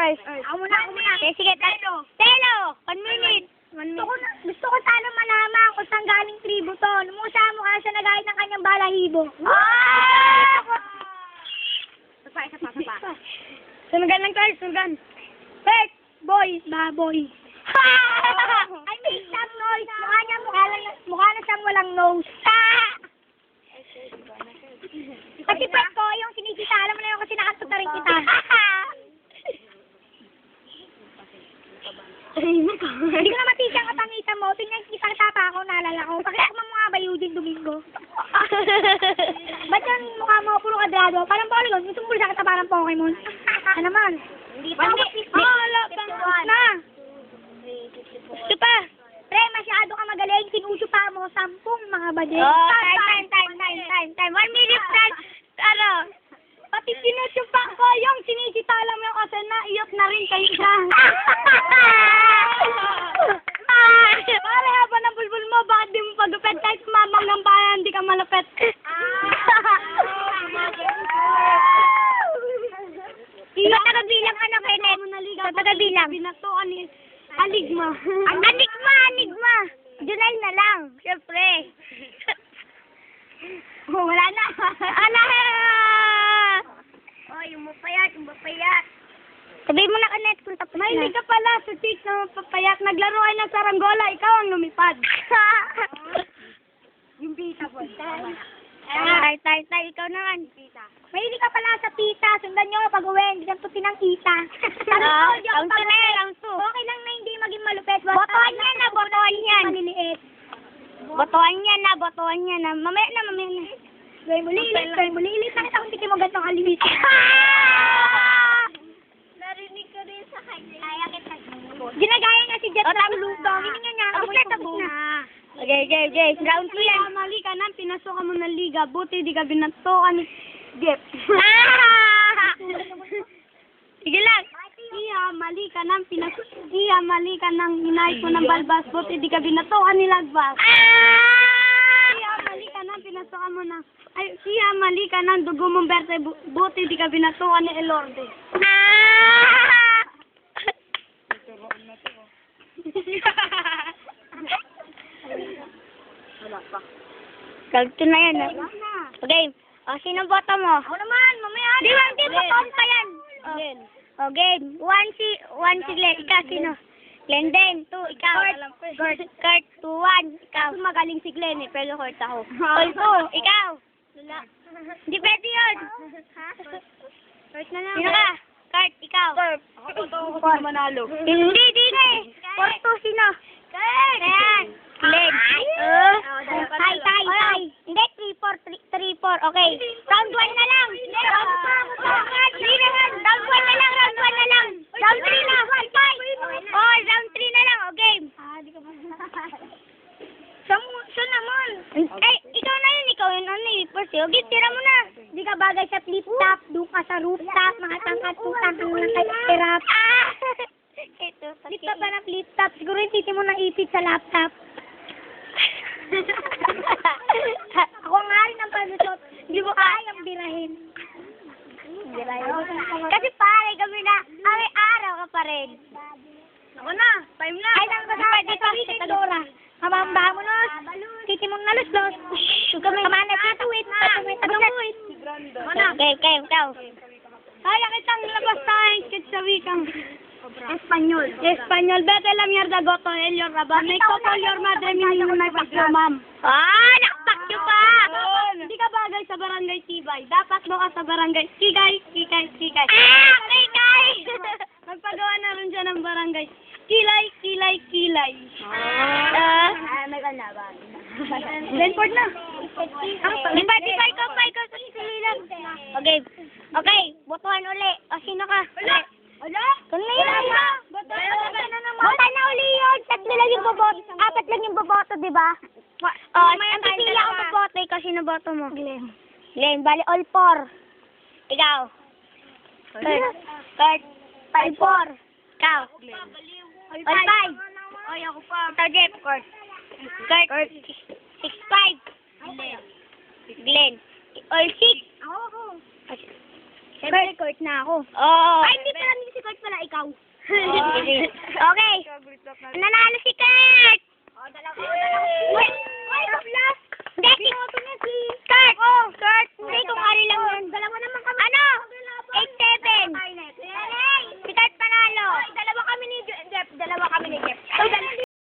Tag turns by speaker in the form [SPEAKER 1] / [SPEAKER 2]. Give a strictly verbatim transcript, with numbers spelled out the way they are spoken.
[SPEAKER 1] first.
[SPEAKER 2] Ako muna, ako muna.
[SPEAKER 1] Okay, sige. Telo. Telo. One minute. One
[SPEAKER 2] Gusto ko,
[SPEAKER 1] minute.
[SPEAKER 2] na, gusto ko sana malaman kung saan galing tribo to. Lumusha mo ka siya nagayat ng kanyang balahibo.
[SPEAKER 1] Ah!
[SPEAKER 2] Isa pa, isa pa, isa pa. Sunugan lang tayo, sunugan. First, boy, baboy. I make some noise. Mukha niya, mukha, lang, mukha na siyang walang nose. Kasi pet ko, yung sinisita, alam mo na yun kasi nakatot na rin kita. Hindi ko na matisya ang kapangitan mo. Tingnan, isang tapa ako, naalala ko. Bakit ako mamukha ba Eugene Domingo? Ba't yung mukha mo puro kadrado? Parang Polygon, gusto mo puro siya kita parang Pokemon. Ano naman? Hindi pa. Wala pang na. Ito pa. Pre, masyado ka magaling. Sinusyo pa mo sampung mga badeng.
[SPEAKER 1] Oh, time, time, time, time, time, time. One minute, time. Ano?
[SPEAKER 2] Pati sinusyopa ko yung sinisita lang mo kasi naiyot na rin kayo siya. Pare, haba ng bulbul mo, bakit di mo pagupet? Kahit sumamang ng bayan, hindi ka malupet.
[SPEAKER 1] Sa tagabilang ano, Kenneth? Sa tagabilang.
[SPEAKER 2] Binatuan ni Aligma.
[SPEAKER 1] Ang anigma, anigma. Junel na lang, syempre.
[SPEAKER 2] Oh, wala na.
[SPEAKER 1] Ala!
[SPEAKER 2] Oh, yung mapayat, yung mapayat.
[SPEAKER 1] Sabihin mo na, Kenneth, kung tapos na.
[SPEAKER 2] Mahilig ka pala sa tik na mapapayak. Naglaro ay ng saranggola, ikaw ang lumipad. Yung pita po.
[SPEAKER 1] Tay, tay, tay, ikaw naman.
[SPEAKER 2] Mahilig ka pala sa pita. Sundan nyo pag uwi, hindi kang tuti ng kita.
[SPEAKER 1] Ah, round two na yan, round two.
[SPEAKER 2] Okay lang na hindi maging malupet.
[SPEAKER 1] Botohan yan na, botohan yan.
[SPEAKER 2] Maliliit.
[SPEAKER 1] Botohan yan na, botohan yan na. Mamaya na, mamaya na.
[SPEAKER 2] Gawin mo lilit, gawin mo lilit. Nakita kong titi mo gantong kalimit. Narinig ko rin sa kanya. Kaya kita. Ginagaya nga si Jet ng lubang. Hindi nga nga.
[SPEAKER 1] Tapos na, tapos na. Okay, okay, okay. Round two yan.
[SPEAKER 2] Mali ka na, pinasukan mo ng liga. Buti di ka binatokan ni Jeff.
[SPEAKER 1] Ah! Sige lang.
[SPEAKER 2] Iya, mali ka nang pinas... Iya, mali ka nang hinahit mo ng balbas. Buti di ka binatokan ni Lagbas.
[SPEAKER 1] Ah!
[SPEAKER 2] Iya, mali ka nang pinasukan mo ng... Ay, iya, mali ka nang dugo mong berte. Bu- Buti di ka binatokan ni Elorde.
[SPEAKER 1] Ah! Round two na yan, ah. Okay. O, sino boto mo?
[SPEAKER 2] Ako naman, mamaya
[SPEAKER 1] Di ba, di ba, count pa yan? O, o, game. One si, one si Glenn. Ikaw, sino? Glenn din. Two, ikaw. Kurt, Kurt, two, one. Ikaw.
[SPEAKER 2] Kasi magaling si Glenn eh, pero Kurt ako.
[SPEAKER 1] All two, ikaw. Hindi pwede yun.
[SPEAKER 2] Kurt na lang.
[SPEAKER 1] Sino ka? Kurt, ikaw.
[SPEAKER 2] Ako to, ako pa manalo.
[SPEAKER 1] Hindi, di na eh. Four, two, sino?
[SPEAKER 2] Kurt!
[SPEAKER 1] Ayan. Glenn.
[SPEAKER 2] Oh,
[SPEAKER 1] Tay, tay, tay. Hindi, three, four, three, three, four. Okay. Round one na lang. Round Hindi naman. Round one na lang, round one na lang. Round three na. Oh, round three na lang. O, game.
[SPEAKER 2] Ah, di ka pa. Siya mo- siya naman.
[SPEAKER 1] Ay, ikaw na yun. Ikaw yun. Ano eh. First, o, game, tira mo na.
[SPEAKER 2] Di ka bagay sa flip-top. Doon ka sa rooftop. Mga tangkat-tangkat mo lang kay Irap.
[SPEAKER 1] Ah! Ito, sa
[SPEAKER 2] Flip-top ba ng flip-top? Siguro yung titi mo nang ipit sa laptop. Ako nga rin ang palusot. Hindi mo kayang birahin.
[SPEAKER 1] Kasi pare, kami na, kami araw ka pa rin.
[SPEAKER 2] Ako na. Time na. Ay, nang basa. Dito, dito, Dora. Kamamba mo nos. Titi mong naluslos. Shhh. Kamana, tituwit. Tatuwit. Tatuwit.
[SPEAKER 1] Okay, okay, ikaw.
[SPEAKER 2] Kaya kitang labas tayong kit sa wikang Espanyol. Espanyol. Vete la mierda, goto, Elio Raba. May kopol your madre, minimum na ipakyo, ma'am.
[SPEAKER 1] Ah, nakapakyo pa!
[SPEAKER 2] Hindi ka bagay sa barangay Tibay. Dapat mo ka sa barangay Kikay, Kikay, Kikay.
[SPEAKER 1] Ah, kikay!
[SPEAKER 2] Magpagawa na rin siya ng barangay Kilay, Kilay, Kilay.
[SPEAKER 1] Ah,
[SPEAKER 2] Lenford na.
[SPEAKER 1] di ba, di ba, ikaw pa, ikaw sa sili lang. Okay, okay, botohan uli. O, sino ka?
[SPEAKER 2] Wala?
[SPEAKER 1] Kung na yun, ha? Bota na uli yun. Tatlo lang yung boboto. Apat lang yung boboto, di ba? O, ang pipili ako boboto. Ikaw, sino boto mo?
[SPEAKER 2] Glenn.
[SPEAKER 1] Glenn, bali all four. Ikaw. Kurt. Kurt. All four. Ikaw. All five.
[SPEAKER 2] Ay, ako pa.
[SPEAKER 1] Ikaw, Jeff. Kurt. Kurt. Six, five. Glenn. All six.
[SPEAKER 2] Ako, ako.
[SPEAKER 1] Siyempre, Kurt na ako. Oo.
[SPEAKER 2] Ay, hindi pala
[SPEAKER 1] si Kurt pala ikaw. Okay. Nanalo si Kurt. Oh, dalawa. Wait, wait, last. Hindi, si